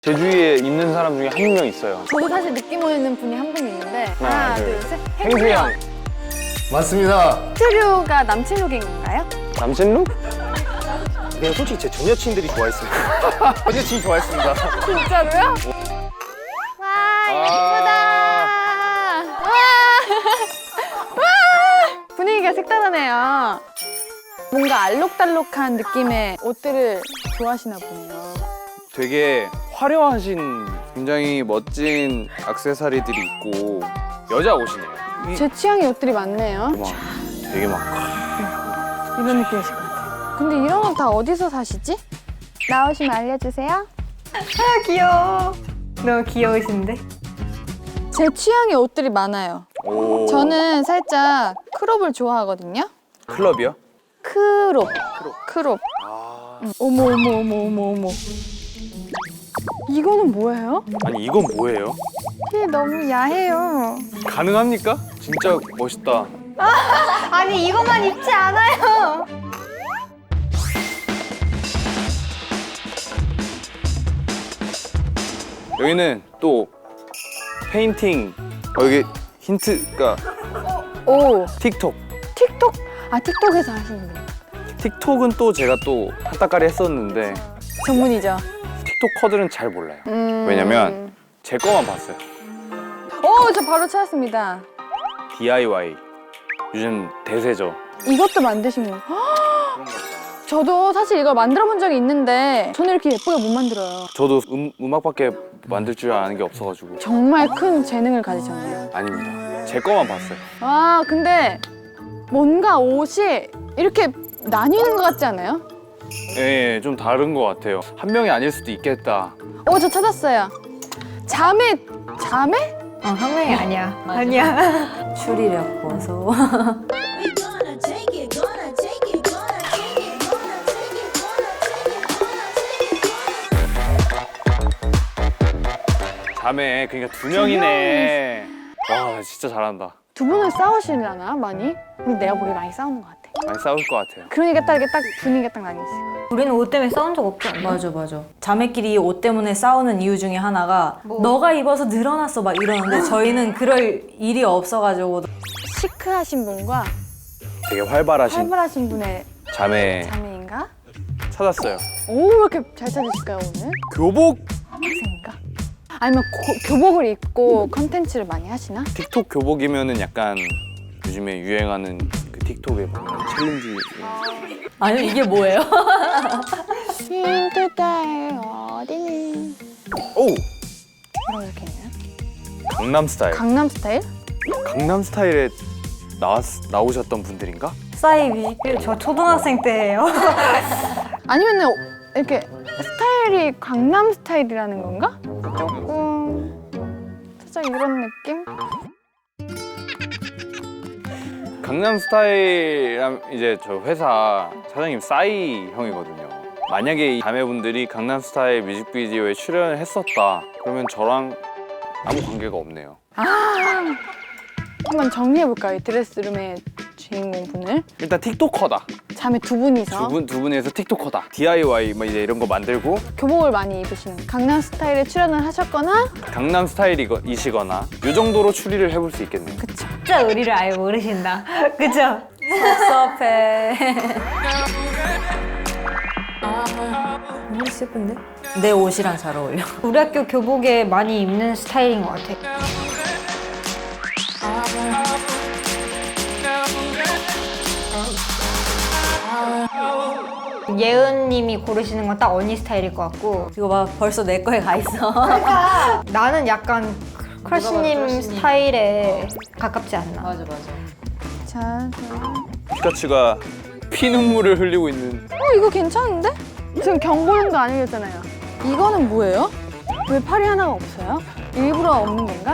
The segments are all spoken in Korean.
제 주위에 있는 사람 중에 한 명 있어요. 저도 사실 느낌 오는 분이 한 분 있는데 하나, 하나, 둘, 둘, 셋. 행수 형. 맞습니다. 트류가 남친 룩인 건가요? 남친 룩? 그냥 솔직히 제 전 여친들이 좋아했습니다. 전 여친이 좋아했습니다. 진짜로요? 와 예쁘다. 와. 와. 분위기가 색다르네요. 뭔가 알록달록한 느낌의 옷들을 좋아하시나 보네요. 되게 화려하신 굉장히 멋진 액세서리들이 있고 여자 옷이네요. 제 취향의 옷들이 많네요. 되게 막 이런 느낌이실 것 같아요. 근데 이런 건 다 어디서 사시지? 나오시면 알려주세요. 아 귀여워. 너무 귀여우신데? 제 취향의 옷들이 많아요. 오. 저는 살짝 크롭을 좋아하거든요. 클럽이요? 크롭. 크롭. 어머 어머 어머 어머 어머. 이거는 뭐예요? 아니 이건 뭐예요? 이게 너무 야해요. 가능합니까? 진짜 멋있다. 아니 이것만 입지 않아요. 여기는 또 페인팅. 여기 힌트가 오, 틱톡. 틱톡? 아, 틱톡에서 하시는 거예요? 틱톡은 또 제가 또 한따까리 했었는데 전문이죠. 틱톡커들은 잘 몰라요. 왜냐면 제 거만 봤어요. 오, 저 바로 찾았습니다. DIY. 요즘 대세죠. 이것도 만드신 거. 저도 사실 이걸 만들어 본 적이 있는데 저는 이렇게 예쁘게 못 만들어요. 저도 음악밖에 만들 줄 아는 게 없어가지고. 정말 큰 재능을 가지셨네요. 아닙니다. 제 거만 봤어요. 와, 근데 뭔가 옷이 이렇게 나뉘는 것 같지 않아요? 예, 좀 다른 것 같아요. 한 명이 아닐 수도 있겠다. 저 찾았어요. 자매? 한 명이 아니야. 아니야. 추리력 보소. 자매, 그러니까 두 명이네. 와, 진짜 잘한다. 두 분은 싸우시려나, 많이? 근데 내가 보기에 많이 싸우는 것 같아. 많이 싸울 것 같아요. 그러니까 딱 이렇게 딱 분위기가 딱 나뉘었어요. 우리는 옷 때문에 싸운 적 없지 않나? 맞아. 자매끼리 옷 때문에 싸우는 이유 중에 하나가 너가 입어서 늘어났어 막 이러는데 저희는 그럴 일이 없어가지고 시크하신 분과 되게 활발하신 분의 자매 자매인가? 찾았어요. 오, 왜 이렇게 잘 찾으실까요, 오늘? 교복! 학생인가? 아니면 교복을 입고 컨텐츠를 많이 하시나? 틱톡 교복이면은 약간 요즘에 유행하는 그 틱톡에 보면 챌린지. 아니 이게 뭐예요? 힌트 딸 어디니? 오! 뭐라고 이렇게 있나요? 강남 스타일. 강남 스타일? 강남 스타일에 나오셨던 분들인가? 싸이 뮤직비디오 저 초등학생 때예요. 아니면은 이렇게 스타일이 강남 스타일이라는 건가? 조금 살짝 이런 느낌? 강남 스타일이랑 이제 저 회사 사장님 싸이 형이거든요. 만약에 이 자매분들이 강남 스타일 뮤직비디오에 출연을 했었다 그러면 저랑 아무 관계가 없네요. 한번 정리해볼까요? 이 드레스룸의 주인공 분을. 일단 틱톡커다. 자매 두 분이서 두 분에서 틱톡커다. DIY 뭐 이제 이런 거 만들고 교복을 많이 입으시는 강남 스타일에 출연을 하셨거나 강남 스타일이시거나 이 정도로 추리를 해볼 수 있겠네요. 그쵸. 진짜 우리를 아예 모르신다. 그죠? 섭섭해. 너무 슬픈데? 내 옷이랑 잘 어울려. 우리 학교 교복에 많이 입는 스타일인 것 같아. 예은님이 고르시는 건 딱 언니 스타일일 것 같고 이거 봐 벌써 내 거에 가 있어. 나는 약간 크러쉬님 스타일에 가깝지 않나. 맞아. 자, 피카츄가 피눈물을 흘리고 있는. 이거 괜찮은데? 지금 경고용도 아니겠잖아요. 이거는 뭐예요? 왜 팔이 하나가 없어요? 일부러 없는 건가?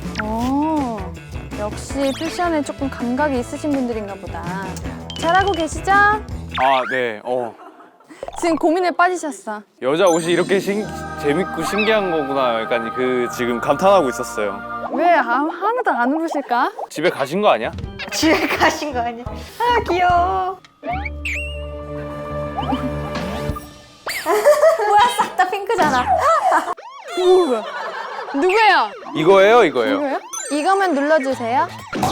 역시 패션에 조금 감각이 있으신 분들인가 보다. 잘하고 계시죠? 아, 네. 지금 고민에 빠지셨어. 여자 옷이 이렇게 재밌고 신기한 거구나. 약간 그 지금 감탄하고 있었어요. 왜 하나도 안 울으실까? 집에 가신 거 아니야? 집에 가신 거 아니야? 아 귀여워. 뭐야 싹 다 핑크잖아. 뭐야? 누구예요? 이거예요? 누구예요? 이거만 눌러주세요.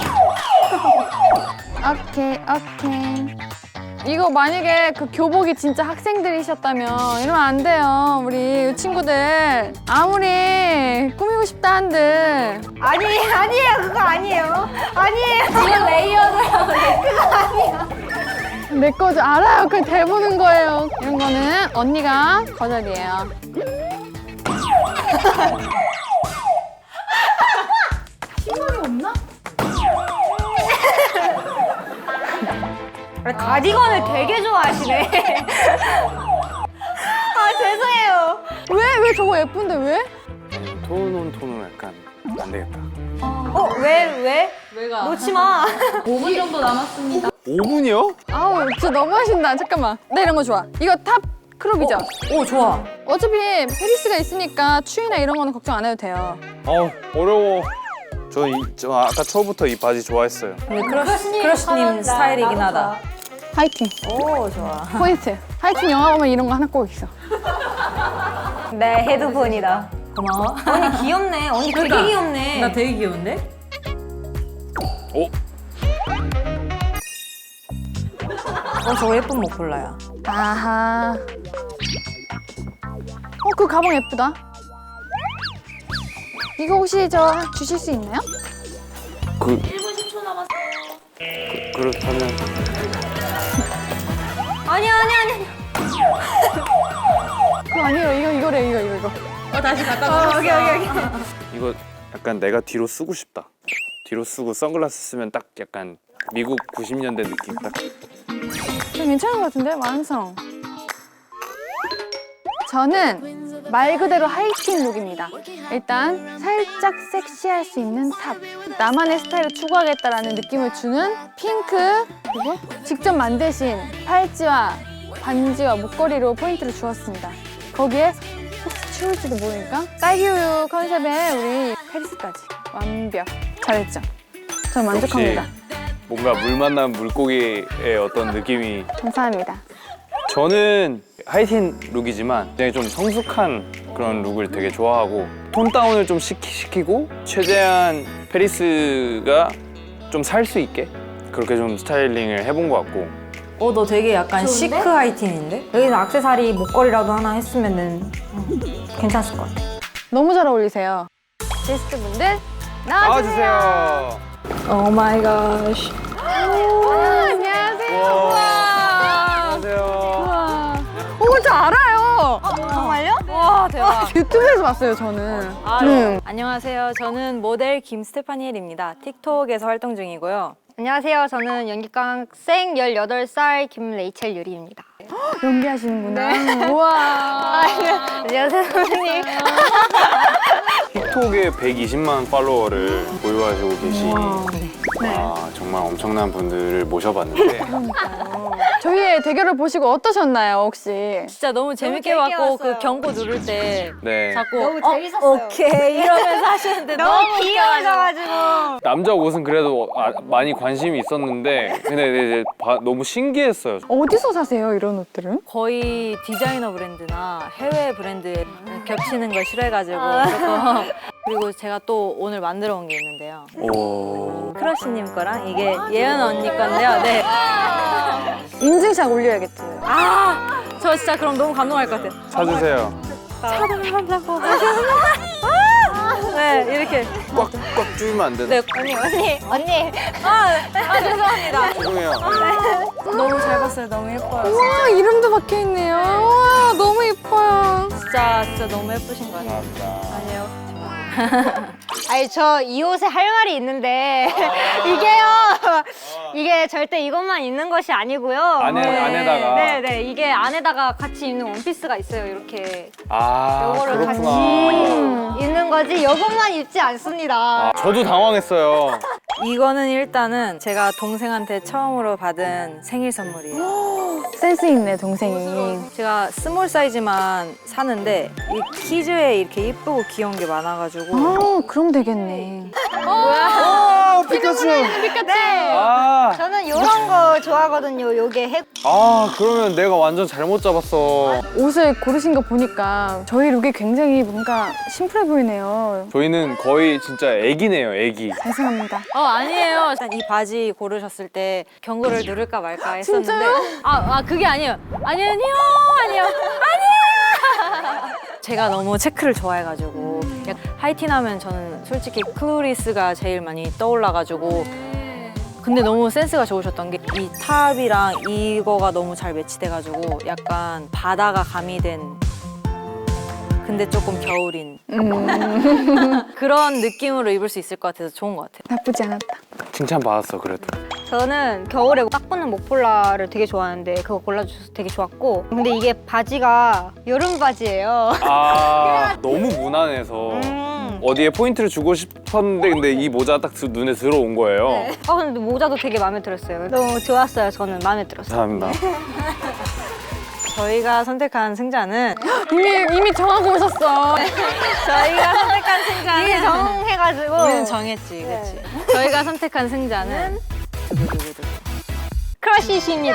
오케이, 오케이. 이거 만약에 그 교복이 진짜 학생들이셨다면 이러면 안 돼요. 우리 친구들. 아무리 꾸미고 싶다 한들. 아니에요. 그거 아니에요. 아니에요. 이건 레이어드라고. 내 거죠. 알아요. 그걸 대보는 거예요. 이런 거는 언니가 거절이에요. 가디건을 되게 좋아하시네. 아, 죄송해요. 왜 저거 예쁜데 왜? 톤은 약간 안 되겠다. 왜? 왜가? 놓지 마. 5분 정도 남았습니다. 5분이요? 아우 진짜 너무 하신다. 잠깐만. 나 이런 거 좋아. 이거 탑 크롭이죠? 오, 좋아. 어차피 페리스가 있으니까 추위나 이런 거는 걱정 안 해도 돼요. 어려워. 저 아까 처음부터 이 바지 좋아했어요. 근데 크러쉬님 스타일이긴 하다. 화이팅. 오, 좋아. 포인트. 하이킹 영화 보면 이런 거 하나 꼭 있어. 내 헤드폰이다. 고마워. 언니 귀엽네. 언니 되게 그러니까. 귀엽네. 나 되게 귀여운데? 오, 저거 예쁜 목폴라야. 아하. 그 가방 예쁘다. 이거 혹시 저 주실 수 있나요? 1분 10초 남았어. 그렇다면 아니야. 그거 아니에요. 이거래. 이거. 다시 갖다 오케이. 이거 약간 내가 뒤로 쓰고 싶다. 뒤로 쓰고 선글라스 쓰면 딱 약간 미국 90년대 느낌 딱. 좀 괜찮은 것 같은데? 완성. 저는 말 그대로 하이틴 룩입니다. 일단 살짝 섹시할 수 있는 탑. 나만의 스타일을 추구하겠다라는 느낌을 주는 핑크 그리고 직접 만드신 팔찌와 반지와 목걸이로 포인트를 주었습니다. 거기에 혹시 추울지도 모르니까 딸기우유 컨셉의 우리 페리스까지 완벽. 잘했죠? 저 만족합니다. 뭔가 물 만난 물고기의 어떤 느낌이. 감사합니다. 저는 하이틴 룩이지만 굉장히 좀 성숙한 그런 룩을 되게 좋아하고 톤 다운을 좀 시키고 최대한 페리스가 좀 살 수 있게 그렇게 좀 스타일링을 해본 것 같고. 너 되게 약간 시크 하이틴인데? 여기서 액세서리 목걸이라도 하나 했으면은 괜찮을 것 같아. 너무 잘 어울리세요. 게스트분들 나와주세요. 나와주세요. 오 마이 갓. 안녕하세요. 안녕하세요. 우와. 저 알아요. 정말요? 와, 대박. 유튜브에서 봤어요, 저는. 안녕하세요. 저는 모델 김스테파니엘입니다. 틱톡에서 활동 중이고요. 안녕하세요. 저는 연기과학생 18살 김레이첼 유리입니다. 연기하시는구나. 우와. 안녕하세요, 선생님. 틱톡에 120만 팔로워를 보유하시고 계신 네. 정말 엄청난 분들을 모셔봤는데 저희의 대결을 보시고 어떠셨나요, 혹시? 진짜 너무 재밌게 재밌게 봤고 봤어요. 그 경고 누를 때 네. 자꾸 너무 재밌었어요. 오케이 이러면서 하시는데 너무 너무 귀여우셔가지고. 남자 옷은 그래도 많이 관심이 있었는데 근데 이제 너무 신기했어요. 어디서 사세요, 이런 옷들은? 거의 디자이너 브랜드나 해외 브랜드에 겹치는 걸 싫어해가지고 조금 그리고 제가 또 오늘 만들어 온 게 있는데요. 오. 크러쉬님 거랑 이게 예은 언니 건데요. 네. 인증샷 올려야겠지. 저 진짜 그럼 너무 감동할 것 같아요. 찾으세요. 찾아달라고. 네, 이렇게. 꽉 조이면 안 되나? 네, 언니. 죄송합니다. 죄송해요. 너무 잘 봤어요. 너무 예뻐요. 우와, 이름도 박혀있네요. 우와, 너무 예뻐요. 진짜 너무 예쁘신 것 같아요. 감사합니다. 아니요. 아니, 저 이 옷에 할 말이 있는데 이게 절대 이것만 입는 것이 아니고요. 안에다가. 네네, 이게 안에다가 같이 입는 원피스가 있어요. 이렇게 요거를 그렇구나. 같이 입는 거지 이것만 입지 않습니다. 저도 당황했어요. 이거는 일단은 제가 동생한테 처음으로 받은 생일 선물이에요. 센스 있네, 동생이. 제가 스몰 사이즈만 사는데 이 키즈에 이렇게 예쁘고 귀여운 게 많아가지고 그럼 되겠네. 오, 피카츄. 아, 저는 이런 거 좋아하거든요. 요게 해. 그러면 내가 완전 잘못 잡았어. 옷을 고르신 거 보니까 저희 룩이 굉장히 뭔가 심플해 보이네요. 저희는 거의 진짜 애기네요, 애기. 죄송합니다. 아니에요. 일단 이 바지 고르셨을 때 경고를 누를까 말까 했었는데. 진짜요? 그게 아니에요. 아니요. 제가 너무 체크를 좋아해가지고 하이틴하면 저는 솔직히 클로리스가 제일 많이 떠올라가지고 근데 너무 센스가 좋으셨던 게 이 탑이랑 이거가 너무 잘 매치돼가지고 약간 바다가 가미된 근데 조금 겨울인 그런 느낌으로 입을 수 있을 것 같아서 좋은 것 같아요. 나쁘지 않았다. 칭찬받았어, 그래도. 저는 겨울에 딱 붙는 목폴라를 되게 좋아하는데 그거 골라주셔서 되게 좋았고 근데 이게 바지가 여름 바지예요. 너무 무난해서 어디에 포인트를 주고 싶었는데 근데 이 모자 딱 눈에 들어온 거예요. 근데 모자도 되게 마음에 들었어요. 너무 좋았어요. 저는 마음에 들었어요. 감사합니다. 저희가 선택한 승자는 이미 정하고 오셨어. 저희가 선택한 승자는 이게 정해가지고 우리는 정했지, 그렇지? 저희가 선택한 승자는 크러쉬십니다.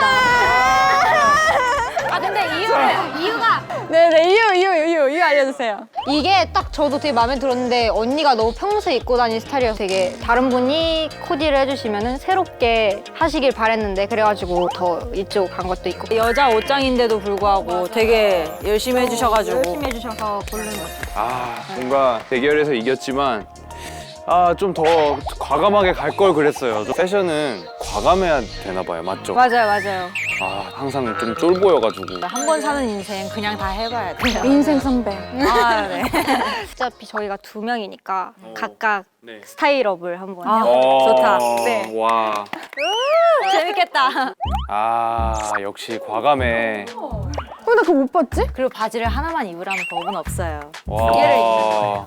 근데 이유가 네네, 이유 알려주세요. 이게 딱 저도 되게 마음에 들었는데 언니가 너무 평소에 입고 다니는 스타일이어서 되게 다른 분이 코디를 해주시면 새롭게 하시길 바랬는데 그래가지고 더 이쪽 간 것도 있고 여자 옷장인데도 불구하고 되게 열심히 해주셔가지고 열심히 해주셔서 고른 것 같아요. 뭔가 대결에서 이겼지만 좀 더 과감하게 갈 걸 그랬어요. 패션은 과감해야 되나 봐요, 맞죠? 맞아요. 항상 좀 쫄보여가지고. 한 번 사는 인생 그냥 다 해봐야 돼요. 인생 선배. 네. 어차피 저희가 2명이니까 각각 네. 스타일업을 한번 좋다. 네. 와. 재밌겠다. 역시 과감해. 나 그거 못 봤지? 그리고 바지를 하나만 입으라는 법은 없어요. 와.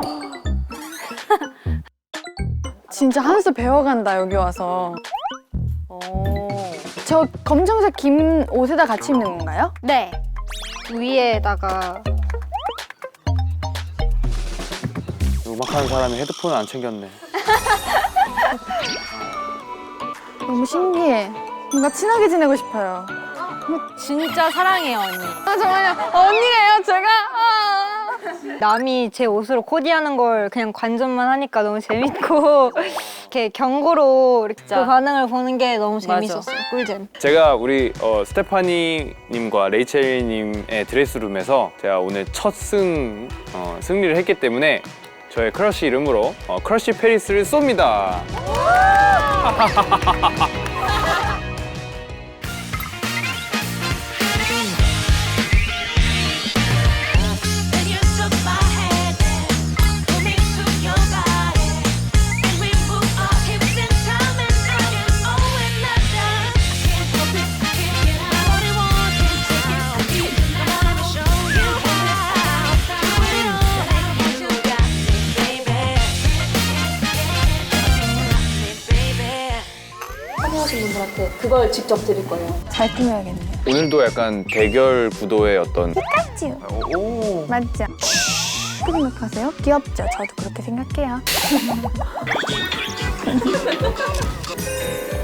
진짜 한 수 배워간다, 여기 와서. 오. 저 검정색 긴 옷에다 같이 입는 건가요? 네. 위에다가 음악하는 사람이 헤드폰을 안 챙겼네. 너무 신기해. 뭔가 친하게 지내고 싶어요. 진짜 사랑해요, 언니. 정말요. 언니예요, 제가. 남이 제 옷으로 코디하는 걸 그냥 관전만 하니까 너무 재밌고 이렇게 경고로 이렇게 그 반응을 보는 게 너무 재밌었어요. 꿀잼. 제가 우리 스테파니님과 레이첼님의 드레스룸에서 제가 오늘 첫 승리를 했기 때문에 저의 크러쉬 이름으로 크러쉬 페리스를 쏩니다. 하신 분들한테 그걸 직접 드릴 거예요. 잘 꾸며야겠네요. 오늘도 약간 대결 구도의 어떤 맞죠? 오. 맞죠? 어떻게 생각하세요? 귀엽죠? 저도 그렇게 생각해요.